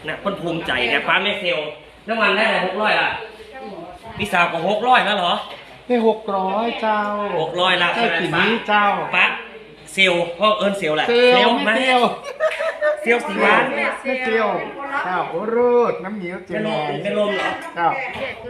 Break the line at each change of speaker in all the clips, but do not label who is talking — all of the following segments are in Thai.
นะคนภูมิใจเนี่ยป้าไม่เซลน้ำมันได้เลย600ละพี่สาวก็600แล้วเหรอ
ได้600เจ้า
600ละ
ได้ปีนี้เจ้า
ป้าเซลพ่อเอิญเซลแหละ
เซลไม่เซล
เซลสีหวาน
ไม่เซลเจ้าโอ้รูดน้ำเหนียวเจริญ
เป็นลมเหรอ
เจ้า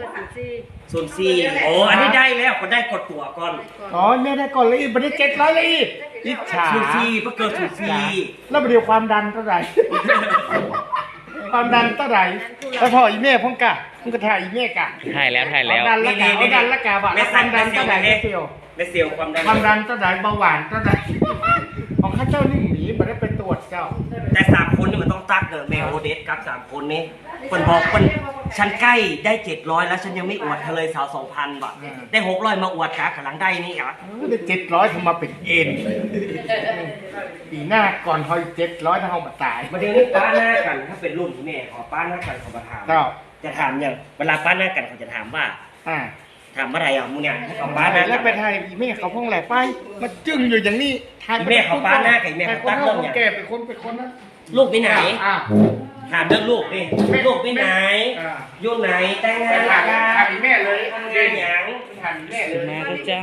04โอ้อันนี้ได้แล้วก็ได้กดตัวก่อน
อ๋อเนี่ยได้ก่อนเลยอีกไม่ได้700เลยอีกอิจฉา
04เพื่อเกิด04
แล้วเดี๋ยวความดันเท่าไหร่ความดันเท่าไหร่แล้วพออีเม่พ่งกะพ่งกะถ่ายอีเม่กะ
ถ่ายแล้ว
ดันละกะเอาดันละกะบ่ความดันเท่าไหร่ไม่เซล
ไม่เซลความ
ดันเท่าไหร่เบาหวานเท่าไหร่ของข้าเจ้านี่หมีไม่ได้ไปตรวจเจ้า
แต่3คนนี่มันต้องตักเด้อแมวโอเดสกับ3คนนี้เพิ่นบอกเพิ่นฉันใกล้ได้700แล้วฉันยังไม่อวดเธอเลยสาว 2,000 บาทได้600มาอวดกะกำลังได้นี่อ่ะ
ได้700ทำมาเป็นเอ็นปีหน้าก่อนเฮา700ถ้าเฮาบ่ตาย
ประเด็นนี้ป้าหน้ากันถ้าเป็นรุ่นที่แม่ขอป้าหน้ากันเขามาถามจะถามอย่างเวลาป้าหน้ากันเขาจะถามว่าถามอะไรอ่ะมึงเนี่ยเขาป้าหน้า
แล้วไปไทยอีเม่เขาพ่งแหล่ไปมาจึ้งอยู่อย่างนี้
แม่เขาป้าหน้าไก่แม่เขาตั้งเรื่อง
อย่างแก่เป็นคนนั้น
ลูกไปไหนถามเรื่องลูกดิลูกไปไหนอยู่ไหนแต่งงาน
ถามอีแม่เลย
ทำงานอย่าง
ถามอีแม่เลย
แม่ก็เจ้า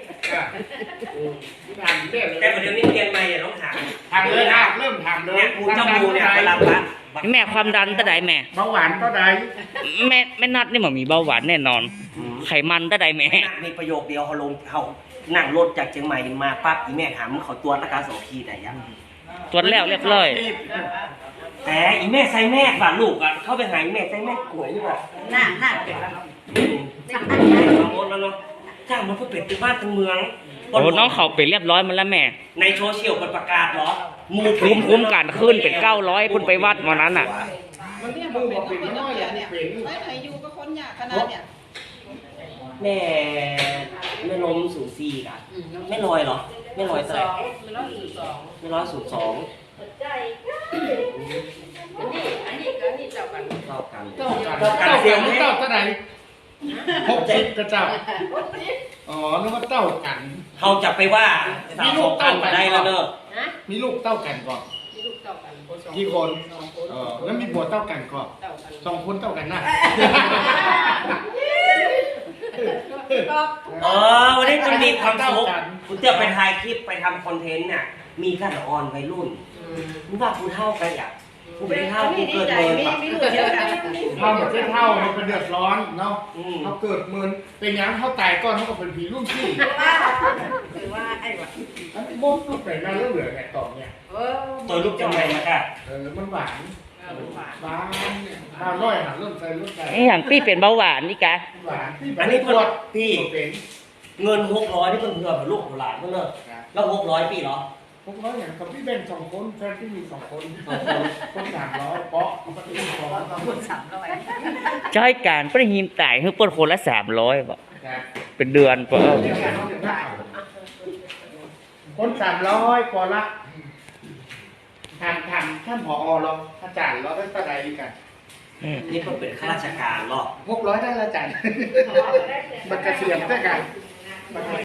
ถามอีแม่เลย
แต่ประเดี๋ยวนี้เรียนใหม่อย่าต้องถาม
เลยเริ่มถามเลย
เนี่ยกูเจ้ามูเนี่ยเวลาปะ
แม่ความดันตะไดแม่
เบาหวานตะได
แม่นัดนี่มันมีเบาหวานแน่นอนไขมันตะไดแม่
มีประโยคเดียวเขาลงเขานั่งรถจากเชียงใหม่มาปั๊บอีแม่ถามเขาตรวจร่างกาย2 ทีได้ยัง
ตรวจแล้วเรียบร้อย
แต่อีแม่ใส่แม่ฝาลูกอ่ะเข้าไปหาอีแม่ใส่แม่กล้วยอยู่อ่ะ
หน้าเป็น
เอาหมดแล้วเนาะจ้างมันเพื่อเป็ดที่บ้านทั้งเมือง
โอ้น้องเขาเป็นเรียบร้อยมันแล้วแม่
ในโซเชียลประกาศเหรอ
มูคุ้มกันขึ้นเป็น900คุณไปวัดวันนั้นอ่ะ
มันเนี่ยมันเป็นน้อยเนี่ยไม่ไหนอยู่ก็คนยากขนาดเนี่ย
แม่ล้ม04อ่ะไม่ลอยเหรอไม่ลอยเท่าไหร่ไม่ลอย02
อันนี้เจ้ากัน
เท่ากัน
เสียงเจ้าเท่าไหร่60กระเจ้าอ๋อนึกว่าเต้ากัน
เขาจะไปว่ามีลูกเต้ากันได้แล้วเนอะ
มีลูกเต้ากันก่อนกี่คนแล้วมีผัวเต้ากันก่อน2 คนเต้ากันนะ
วันนี้มันมีความสุขคุณเจ้าไปถ่ายคลิปไปทำคอนเทนต์น่ะมีขั้นอ่อนวัยรุ่นมึงว่าคุณเท่ากันอ่ะกูเป็นเท่ากูเกิดเมินแบบ
เท่าแบบเท่ามันเป็นเดือดร้อนเนาะเขาเกิดเมินเป็นยังเขาตายก่อนเขาก็เป็นผีรุ่นพี่
คือว่าไอ้วะ
อันนี้บุ๊บลูกไหนมาเรื่องเหลือไงตอบเนี่ย
ตัวลูกจังไรนะค่ะ
มันหวานข้าวน้อยเริ่มใส่รุ่นใส่
อย่างพี่เป็นเบาหวานนี่กะ
หวาน
อันนี้ปวดพี่เงิน600ที่เพิ่งเพื่อลูกหลานเพิ่งเลิกแล้ว600ปีเหรอ
600อย่างกับพี่เบน2 คนแฟนพี่มี2 คนคน300เปาะเขาก็ตี
คน300
ใช่การประหิมตายคือปนคนละ300บอกเป็นเดือนก็
คน300กว่าละท่านผอเราอาจารย์เราได้ประใดกัน
นี่ก็เป็นข้าราชการหรอ
600ได้อาจารย์มันเกษียณได้กัน